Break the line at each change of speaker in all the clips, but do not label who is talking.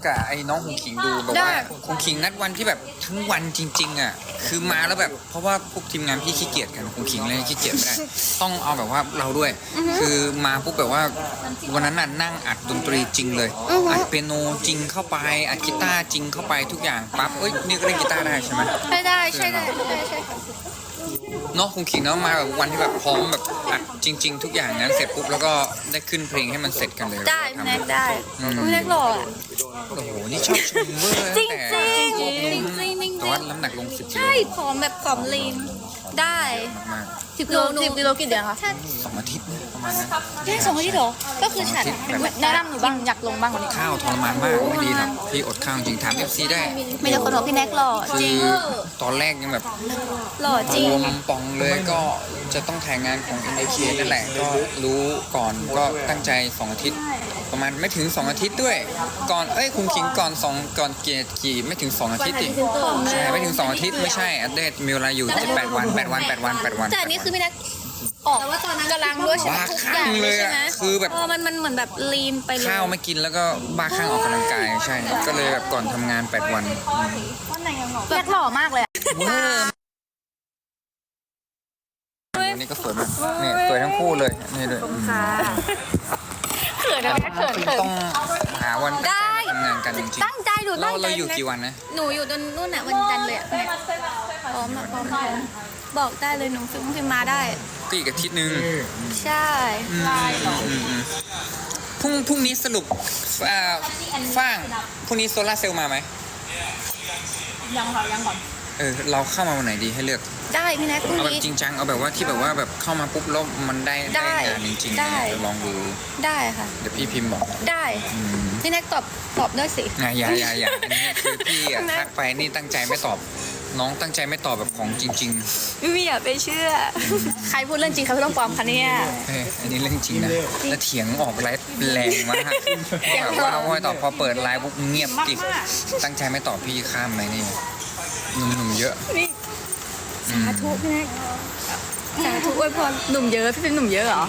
กับไอ้น้องคงขิงดูแบบว่าคงขิงนัดวันที่แบบทั้งวันจริงๆอ่ะคือมาแล้วแบบเพราะว่าพวกทีมงานพี่ขี้เกียจกันคงขิงเลยขี้เกียจไม่ได้ต้องเอาแบบว่าเราด้วยคือมาปุ๊บแบบว่าวันนั้นน่ะนั่งอัดดนตรีจริงเลยอัดเปียโนจริงเข้าไปอัดกีตาร์จริงเข้าไปทุกอย่างปั๊บเอ้ยนี่ก็เล่นกีตาร์ได้ใช่ไหม
ใช่ได้ใช่
เนาะคงขิงเนาะมาแบบวันที่แบบพร้อมแบบอัดจริง ๆ ทุกอย่างนั้นเสร็จปุ๊บแล้วก็ได้ขึ้นเพลงให้มันเสร็จกันเลย
ได้พี่แน็กได้พี่แน็กหล่ออ่ะ
โอ้โหนี่ชอบชมเวอร์
จริง
แต่
จริงจริงจริงจริง
แต่ว่าน้ำหนักลง10 กิโล
ใช่ผอมแบบผอมลีนได้
มาก
10 กิโล10 กิโลกี่เดือนคะ
ๆ2 อาทิตย์นะประมาณนั้น
แค่2 อาทิตย์เหรอก็คือฉันแนะนำหนูบ้างอยากลงบ้างกว่านี้
ข้าวทรมานมากไม่ดีครับพี่อดข้าวจริงถาม FC ได้
มีแต่คนบอกพี่แน็กหล่อจ
คื
ริง
อตอนแรกยังแบบ
หล่อจริง
รวมป่องเลยก็จะต้องถ่ายงานของ NIK นั่นแหละก็รู้ก่อนก็ตั้งใจ2 อาทิตย์ประมาณไม่ถึง2 อาทิตย์ด้วยก่อนคุมขิงก่อนเกียรติกี่ไม่ถึง2 อาทิตย์ดิใช่ไม่ถึง2 อาทิตย์ไม่ใช่อัปเดตมีเวลาอยู่8 วัน
แต่อันนี้คือพี่แน็กออกกำลังด้วยใช่ไหม
บ้า
ทุก
ค
อ
ลั่
ย่าง ง
เล
เลย ยใช่
อะ
ไหม
คือแบบ
มันเหมือนแบบลีนไปเลย
ข้าวไม่กินแล้วก็บ้าคลั่งออกกำลังกายใช่ ก็เลยแบบก่อนทำงาน8 วัน
แน็กหล่อมากเลยอะ
นี่ก็สวยมากนี่สวยทั้งคู่เลยนี่ด้วย
เขินนะแน็กเขิน
ต้องหาวันตั้งใจมาทำงานกันจริง
ตั้งใจดู
ๆ
ตั้งใจ
เราอยู่กี่วันนะ
หนูอยู่ตรงนู่นน่ะวันจันทร์เลยอะพร้อมอะพร้อมบอกได้เลยหนูฟิล์มมาได้
ก็อีกอาทิตย์นึง
ใช่
พรุ่งนี้สรุปฟ้างพรุ่งนี้โซล่าร์เซลล์มาไหมยังก่อนเราเข้ามาวันไหนดีให้เลือก
ได้พี่แน็กพรุ่ง
เอาแบบ
นี้
จริงจังเอาแบบว่าที่แบบว่าแบบเข้ามาปุ๊บแล้วมันได้งานจริงๆ
ได้
เดี๋ยวลองดู
ได้ค่ะ
เดี๋ยวพี่พิมพ์บอก
ได้พี่แน็กตอบด้วยสิ
อย่าอันนี้คือพี่อะทักไปนี่ตั้งใจไม่ตอบ น้องตั้งใจไม่ตอบแบบของจริง
ไม่อยากไปเชื่อ ใครพูดเรื่องจริงใครพูดเรื่องปลอมคะเนี่ย
ๆอันนี้เรื่องจริงนะแล้วเถียงออกไลฟ์แรงมากแบบว่าไม่ตอบพอเปิดไลฟ์ปุ๊บเงียบกิ๊บตั้งใจไม่ตอบพี่ข้ามไหมนี่หนุ่มๆเยอะ
สาธุพี่แน็กสาธุอวยพรหนุ่มเยอะพี่เป็นหนุ่มเยอะเหรอ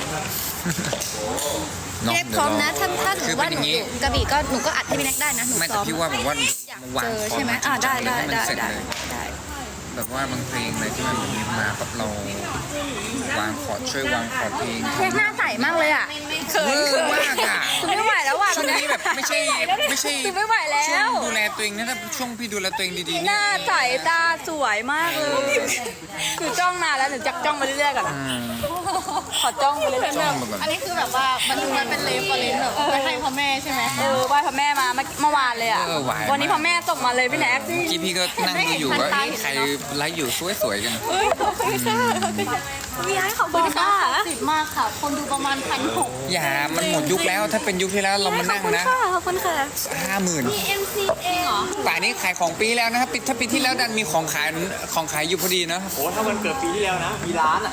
น้อง
พี่แน็ก
เดี๋
พ
ยว
ร้อม
รอ
นะถ้าหนู
คือ
ว่า
เป็น
ห
อ
นู
ย่าง
อ
นี้
ยู่กระบี่ก็หนูก็อัดให้พี่แน็กได้นะหนู
ไม่
ซ้
แต่
อม
พี่ว่าแบบว่า
อยาก
วาง
เจอ
คอ
ใช่ไหม
มาจริงๆ
ได้
ให้มันเสร็จเลย
ได้
แบบว่าบางเพลงเลยที่มันมาปั๊บเราวางคอร์ดช่วยวางคอร์ดเพลง
แน็กหน้าใสมากเลยอ่ะเขิน
เวอร์มากอ่ะ
คือไม่ไหวแล้วว่ะ
ช่วงนี้แบบไม่ใช่
คือไม่ไหวแล้
ช่วง
ว
ดูแลตัวเองนะถ้าช่วงพี่ดูแลตัวเองดีๆ
ห
เนี่ย
น้าใสตาสวยมากเลยคือจ้องนานแล้วหนูจักจ้องมาเรื่อยๆก่อนนะ
อืม
ขอจ้องไปเรื่อย
จ้องมาก่อน
อันนี้คือแบบว่ามันเป็นเลฟฟอเรนแบบไปให้พ่อแม่ใช่ไหม
ไหว้พ่อแม่มาเมื่อวานเลยอ่ะ
หวาย
วันนี้พ่อแม่ส่งมาเลยพี่แน็ก
เมื่อกี้พี่ก็นั่งดูอยู่ว่าเอ๊ะใครไลฟ์อยู่สวยๆกัน
เฮ้ยขอบคุณค่ะพี่ไอ้ขอบคุณค่ะ
ติดมากค่ะ คนดูประมาณ1,600
อย่ามันหมดยุคแล้วถ้าเป็นยุคที่แล้วเรามานั่งนะ
ขอบคุณค่ะ
50,000
เองเหรอ
ป่านนี้ขายของปีแล้วนะครับถ้าปีที่แล้วดันมีของขายอยู่พอดีนะ
โอ้ถ้ามันเกิดปีที่แล้วนะ มีร้านอ่ะ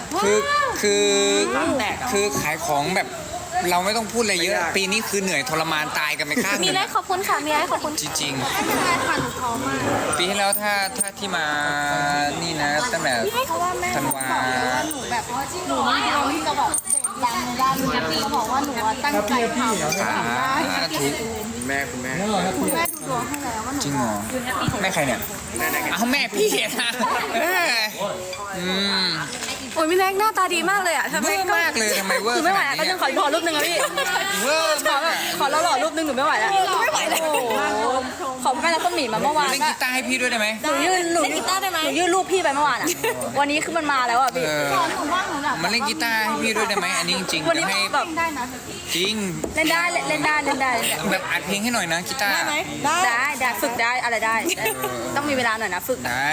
คือขายของแบบเราไม่ต้องพูดอะไรเยอะ ปีนี้คือเหนื่อยทรมานตายกันไปข้างห
มี
นึ่ง
ไรขอบคุณค่ะมีไรขอบคุณ
จริง
ไม่เป็นไรค่ะหนูพร้อมมาก
ๆปีที่แล้วถ้าที่มานี่นะตั้งแต่
เพราะว่าแม่
ธันวา
ว่าหนูแบบหนูไม่เอาที่จะแบบดังในด้านนี้เขาบอกว่าหนูตั้งใจทำ
สาธุ
แม่คุณแม่
คุณแม่ดูดวงให้แล้วว่าหนู
จริงเหรอแม่ใครเนี่ยเอาแม่พี่นะอืม
โอ้ยพี่แน็กหน้าตาดีมากเลยอ่ะทำไม
เวอร์มากเลยทำไมเวอร์
คือไม่ไหว
ขนาด
แล้ว
นี้
นึงขอรูปนึงนะพี่
เวอร์มากอะ
ขอหล่อรูปนึงหนูไม่ไหวแล้วไม่ไหวแล้วขอแม่แล้วก็หมีมาเมื่อวาน
เล่นกีตาร์ให้พี่ด้วยได้ไหม
หนูยื่นรูปพี่ไปเมื่อวานอ่ะวันนี้คือมันมาแล้วอ่ะพี่
หนูว่าหนูแบบ
มันเล่นกีตาร์ให้พี่ด้วยได้ไหมอันนี้จริงๆ
วัน
เดี๋
นี้
ยวให้
แบบ
ได้นะ
จริง
เล่นได้
แบบอัดเพลงให้หน่อยนะกีตาร์
ได้ฝึกได้อะไรได้ ต้องมีเวลาหน่อยนะฝึก
ได้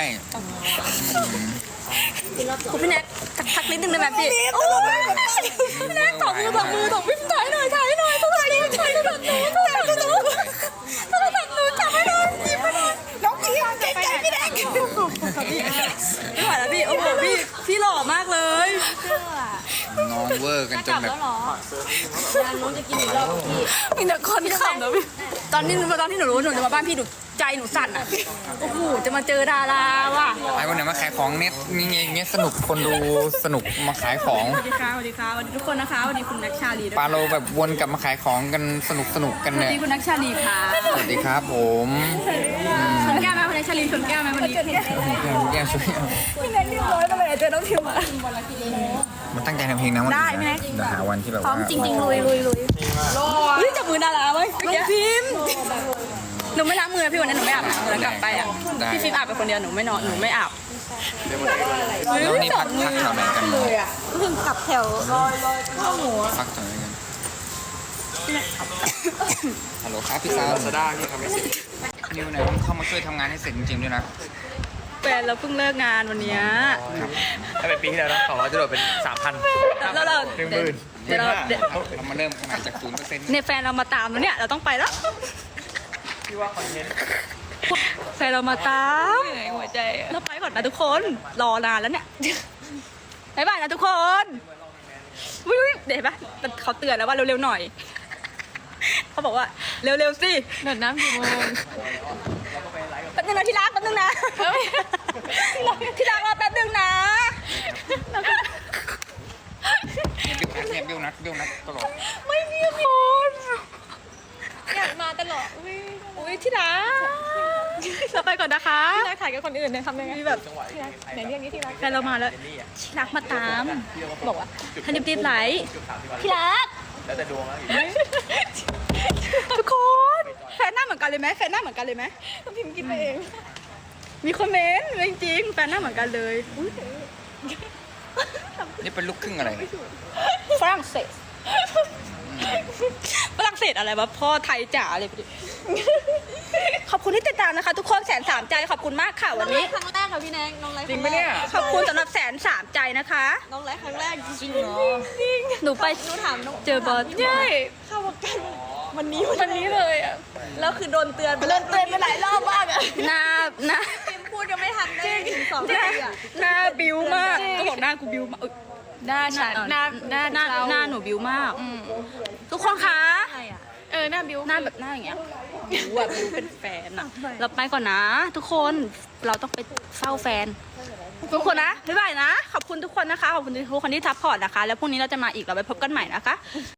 คุณพี่แน็กทักนิดนึงได้ไหมพี่โอ้ยพี่แน็กตบมือตบพี่ถ่ายหน่อยถ่ายหนูจับให้หนูจับให้หนูหยิบให้หนูน้องพี่เก่งใจพี่แน็กไม่ไหวแล้วพี่โอ้โหพี่หล่อมากเลย
น้องเวอร์กันจนแบบ
มีแต่คนขำนะพี่ตอนที่หนูรู้ว่าหนูจะมาบ้านพี่หนูใจหนูสั่นอ่ะโอ้โหจะมาเจอดาราว่ะ
ไอ้คนไหนมาขายของเน็ตมีเงี้ยสนุกคนดูสนุกมาขายของ
สวัสดีค่ะสวัสดีค่ะสวัสดีทุกคนนะคะสวัสดีคุณนักชาลีด้วย
ปาโลแบบวนกลับมาขายของกันสนุกกัน
สวัส
เนี่ย
ดีคุณนักชาลีค่ะ
สวัสดีครับผม
ชนแก้วไหมคุณนักชาลีชนแก้วไหมวันนี้
แย่ช่วย
พี่แน็กเรียบร้อยมาเลยเจอน้องพิมพ์มา
มันตั้งใจทำเพลงนะวัน
ได้
นี้
ไหม
เดี๋ยวหาวันที่แบบ
พร้อ
ว่าม
จริงๆลุยเฮ้ยจับมือดาราไหมน้องพิมพ์หนูไม่ล้างมือนะพี่วันนั้นหนูไม่อาบน้ำเลยกลับไปอ่ะพี่ฟิล์มอาบไปคนเดียวหนูไม่นอนหนูไม่อาบ
แล้วนี่พักแถวไหนกัน
เพิ่งกลับแถวข้าวหมู
พักแถวไหนกันฮัลโหลครับพี่ซาว
ลาซาด้าที่ทำไม่เสร็จ
นิวไหนต้องเข้ามาช่วยทำงานให้เสร็จจริงๆด้วยนะ
แฟนเราเพิ่งเลิกงานวันเนี้ย
ถ้าเป็นปีที่แล้วนะ200จะโดดเป็น 3,000
แล้วเรา
10,000
เดี๋ยวเรา
เรามาเริ่มขนาดจาก0%
เนี่ยแฟนเรามาตามแล้วเนี่ยเราต้องไปแล้ว
ที่ว่าคอนเทนต์
แฟนเรามาตามหัวใจเราไปก่อนนะทุกคนรอนานแล้วเนี่ยบ๊ายบายนะทุกคนวิวเดี๋ยวเห็นปะเขาเตือนแล้วว่าเร็วๆหน่อยเขาบอกว่าเร็วๆสิเดินน้ำกี่โมงแป๊บนึงนะที่รักแป๊บนึงนะที่รักรอแป๊บนึงนะ
เนี่ยบิ้วนัดตลอด
ไม่มีคน
อยากมาตลอด
อุ้ยที่รักเราไปก่อนนะคะ
ที่รักถ่ายกับคนอื่นเนี่ยทำยังไง
มีแบบ
ไหนเรียกนี้ที่รัก
แฟนเรามาแล้วที่รักมาตาม บอกว่าทันติดไหลที่รัก
แล้วแต่ดวงแล้วอีก
ทุกคนแฟนหน้าเหมือนกันเลยไหมแฟนหน้าเหมือนกันเลยไหม
ต้องพิมพ์กินไปเอง
มีคอมเมนต์จริงๆแฟนหน้าเหมือนกันเลยอุ๊ย
นี่เป็นลูกครึ่งอะไรเนี่ย
ฝรั่งเศสฝรั่งเศสอะไรวะพ่อไทยจ๋าเลยไปดิขอบคุณที่ติดตามนะคะ ทุกคน103 ใจขอบคุณมากค่ะวันนี้
ครั้งแรกค่ะพี่แนงน้องไลฟ์
จริงปะเนี่ย
ขอบคุณสำหรับ103 ใจนะคะ
น้องไลฟ์ครั้งแรกจริงเหรอ
หนูไป
หนูถามน้อง
เจอบอส
ใช่เข้ามากันวันนี้เลยอ่ะแล้วคือโดนเตือนไปหลายรอบมากอ่ะ
หน้า
พิมพ์พูดยังไม่ทันได้ถึง2
หน้า
นาทีอ่ะ
หน้าบิวมากก็บอกหน้ากูบิวมาก
หน้าฉันหน้า
หน้าหนูบิวมากทุกคนคะ
หน้าบิว
หน้าแบบหน้าอย่างเงี้ยบิวอะบิวเป็นแฟนอะเราไปก่อนนะ ทุกคนเราต้องไปเฝ้าแฟน ทุกคนนะบ๊ายบายนะ ขอบคุณทุกคนนะคะขอบคุณทุกคนที่ซัพพอร์ตนะคะ แล้วพรุ่งนี้เราจะมาอีกเราไปพบกันใหม่นะคะ